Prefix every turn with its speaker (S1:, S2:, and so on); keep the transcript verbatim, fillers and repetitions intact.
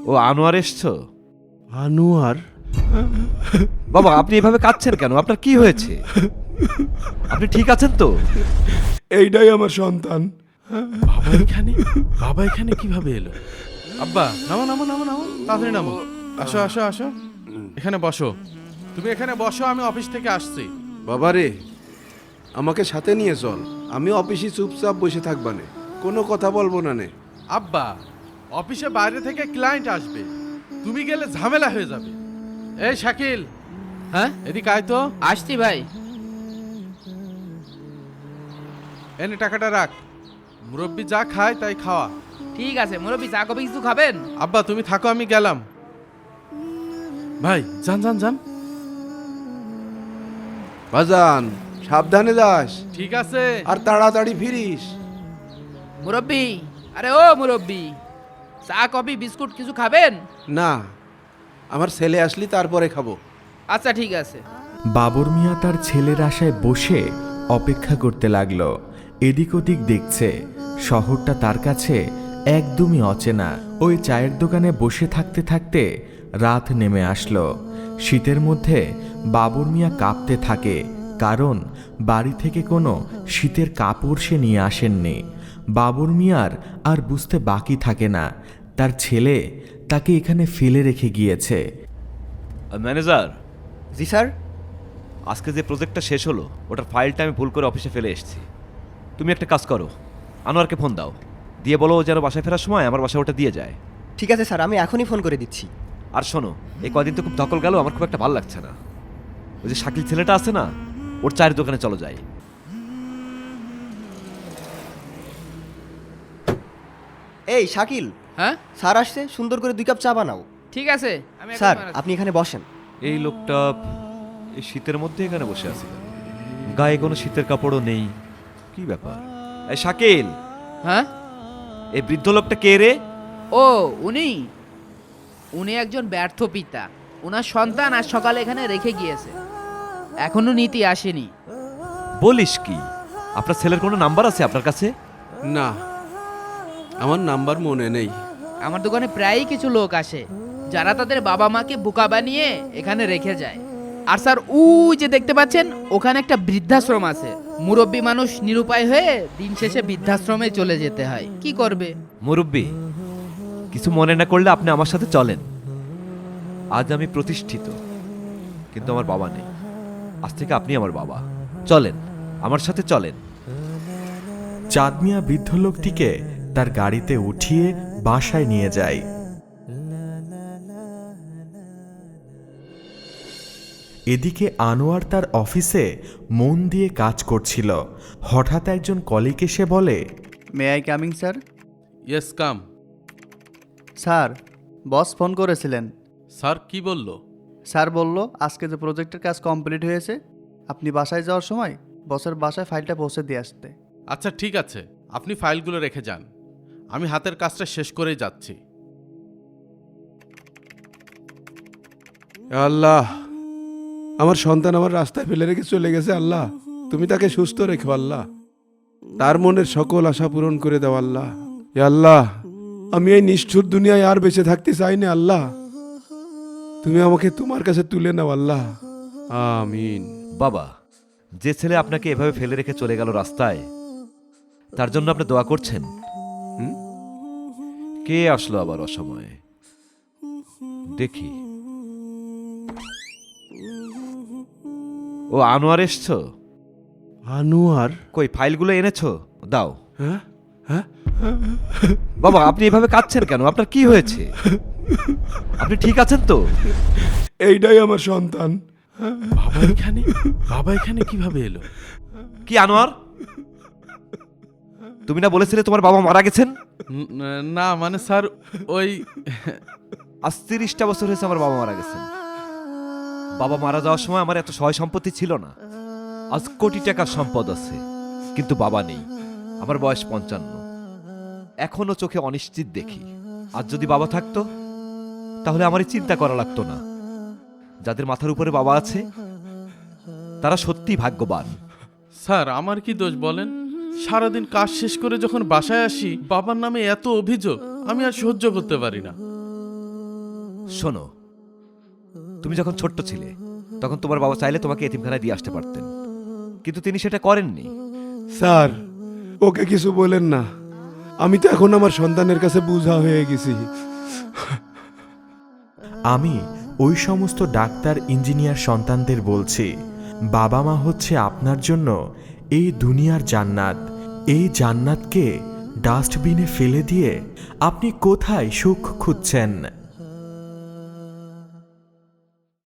S1: ও আনোয়ার এসছো?
S2: আনোয়ার?
S1: বাবা আপনি এভাবে কাঁদছেন কেন? আপনার কি হয়েছে? আপনি ঠিক আছেন তো?
S2: এইটাই আমার সন্তান।
S3: বাবা এখানে বাবা এখানে কিভাবে এলো? আব্বা নামো নামো নামো নামো তাড়াতাড়ি নামো। আসো আসো আসো, এখানে বসো। তুমি এখানে বসো, আমি অফিস থেকে আসছি।
S2: বাবারে, আমাকে সাথে নিয়ে চল। আমি অফিসে চুপচাপ বসে থাকবা নে, কোনো কথা বলবো না নে।
S3: আব্বা, অফিসে বাইরে থেকে ক্লায়েন্ট আসবে, তুমি গেলে ঝামেলা হয়ে যাবে। এই শাকিল,
S4: হ্যাঁ
S3: এদিকে আয় তো।
S4: আসছি ভাই।
S3: এনে টাকাটা রাখ, মুরব্বি যা খায় তাই খাওয়া।
S4: ঠিক আছে মুরব্বি, চা কফি কিছু খাবেন?
S3: আব্বা তুমি থাকো, আমি গেলাম। ভাই যান যান যান।
S2: বাজান, সাবধানে যাস
S3: ঠিক আছে।
S2: আর তাড়াতাড়ি ফিরিস।
S4: মুরব্বি, আরে ও মুরব্বি, চা কফি বিস্কুট কিছু খাবেন?
S2: না, আমার ছেলে আসলি তারপরে খাবো।
S4: আচ্ছা ঠিক আছে।
S5: বাবর মিয়া তার ছেলের আশায় বসে অপেক্ষা করতে লাগলো। এদিক ওদিক দেখছে, শহরটা তার কাছে একদমই অচেনা। ওই চায়ের দোকানে বসে থাকতে থাকতে রাত নেমে আসলো। শীতের মধ্যে বাবর মিয়া কাঁপতে থাকে, কারণ বাড়ি থেকে কোনো শীতের কাপড় সে নিয়ে আসেননি। বাবর মিয়ার আর বুঝতে বাকি থাকে না, তার ছেলে তাকে এখানে ফেলে রেখে গিয়েছে।
S1: ম্যানেজার,
S6: জি স্যার।
S1: আজকে যে প্রজেক্টটা শেষ হলো ওটার ফাইলটা আমি ভুল করে অফিসে ফেলে এসেছি। তুমি একটা কাজ করো, আনোয়ারকে ফোন দাও, দিয়ে বলো ও যেন বাসায় ফেরার সময় আমার বাসায় ওটা দিয়ে যায়।
S6: ঠিক আছে স্যার, আমি এখনই ফোন করে দিচ্ছি।
S1: আর শোনো, এই কদিন তো খুব ধকল গেল, আমার খুব একটা ভালো লাগছে না। ওই যে শাকিল ছেলেটা আছে না, ওর চায়ের দোকানে চলো যাই।
S6: এই শাকিল,
S4: হ্যাঁ
S6: স্যার আসছে, সুন্দর করে দুই কাপ চা বানাও।
S4: ঠিক আছে। আমি এখন
S6: স্যার
S4: বানাচ্ছি।
S6: আপনি এখানে বসেন।
S1: এই লোকটা এই শীতের মধ্যে এখানে বসে আছে, গায়ে কোনো শীতের কাপড়ও নেই, কি ব্যাপার? এই শাকিল,
S4: হ্যাঁ
S1: এই বৃদ্ধ লোকটা কে রে?
S4: ও উনি উনি একজন ব্যর্থ পিতা। ওনার সন্তান আজ সকালে এখানে রেখে গিয়েছে, এখনো নীতি আসেনি।
S1: বলিস কি? আপনার ছেলের কোনো নাম্বার আছে আপনার কাছে?
S2: না, আমার নাম্বার মনে নেই।
S4: আমার দোকানে প্রায়ই কিছু লোক আসে যারা তাদের বাবা মাকে বোকা বানিয়ে এখানে রেখে যায়। আর স্যার ওই যে দেখতে পাচ্ছেন, ওখানে একটা বৃদ্ধাশ্রম আছে। মুরব্বী মানুষ নিরুপায় হয়ে দিন শেষে বৃদ্ধাশ্রমে চলে যেতে হয়, কি করবে?
S1: মুরব্বি, কিছু মনে না করলে আপনি আমার সাথে চলেন। আজ আমি প্রতিষ্ঠিত, কিন্তু আমার বাবা নেই। আজ থেকে আপনি আমার বাবা। চলেন, আমার সাথে চলেন।
S5: চাঁদ মিয়া বৃদ্ধ লোকটিকে তার গাড়িতে উঠিয়ে বাসায় নিয়ে যায়। এদিকে আনোয়ার তার অফিসে মন দিয়ে কাজ করছিল। হঠাৎ একজন কলিগ এসে বলে,
S7: may I coming sir?
S3: Yes come.
S7: Sir, boss phone করেছিলেন।
S3: স্যার কি বলল?
S7: স্যার বলল আজকে যে প্রজেক্টের কাজ কমপ্লিট হয়েছে, আপনি বাসায় যাওয়ার সময় বসের বাসায় ফাইলটা পৌঁছে দিয়ে আসতে।
S3: আচ্ছা ঠিক আছে, আপনি ফাইলগুলো রেখে যান, আমি হাতের কাজটা শেষ করেই যাচ্ছি।
S2: আল্লাহ, আমার সন্তান আমার রাস্তায় ফেলে রেখে চলে গেছে। আল্লাহ, তুমি তাকে সুস্থ রেখো। আল্লাহ, তার মনের সকল আশা পূরণ করে দাও। আল্লাহ, এ আল্লাহ, আমি এই নিষ্ঠুর দুনিয়ায় আর বেঁচে থাকতে চাই না। আল্লাহ, তুমি আমাকে তোমার কাছে তুলে নাও। আল্লাহ, আমিন।
S1: বাবা, যে ছেলে আপনাকে এভাবে ফেলে রেখে চলে গেল রাস্তায়, তার জন্য আপনি দোয়া করছেন? হুম? কে আসলো আবার অসময়ে? দেখি। ও আনোয়ার এসছো?
S2: আনোয়ার?
S1: কই ফাইলগুলো এনেছো? দাও।
S2: হ্যাঁ হ্যাঁ
S1: বাবা আপনি এভাবে কাঁদছেন কেন? আপনার কি হয়েছে? আপনি ঠিক আছেন তো?
S2: এইটাই আমার সন্তান।
S3: বাবা এখানে বাবা এখানে কিভাবে এলো?
S1: কি আনোয়ার, তুমি না বলেছিলে তোমার বাবা মারা গেছেন?
S3: ন- না মানে স্যার, ওই
S1: আজ তিরিশটা বছর হয়েছে আমার বাবা মারা গেছেন। বাবা মারা যাওয়ার সময় আমার এত সহায় সম্পত্তি ছিল না। আজ কোটি টাকার সম্পদ আছে, কিন্তু বাবা নেই। আমার বয়স পঞ্চান্ন, এখনো চোখে অনিশ্চিত দেখি। আজ যদি বাবা থাকতো তাহলে আমারই চিন্তা করা লাগতো না। যাদের মাথার উপরে বাবা আছে তারা সত্যি ভাগ্যবান।
S3: স্যার আমার কি দোষ বলেন? সারাদিন কাজ শেষ করে যখন বাসায় আসি, বাবার নামে এত অভিযোগ আমি আর সহ্য করতে পারি না।
S1: শোনো, তুমি যখন ছোট্ট ছিলে তখন তোমার বাবা চাইলে তোমাকে এতিমখানায় দিয়ে আসতে পারতেন, কিন্তু তিনি সেটা করেননি।
S2: স্যার, ওকে কিছু বলেন না। আমি তো এখন আমার সন্তানের কাছে বোঝা হয়ে গেছি।
S5: আমি ওই সমস্ত ডাক্তার ইঞ্জিনিয়ার সন্তানদের বলছি, বাবা মা হচ্ছে আপনার জন্য এই দুনিয়ার জান্নাত। এই জান্নাতকে ডাস্টবিনে ফেলে দিয়ে আপনি কোথায় সুখ খুঁজছেন?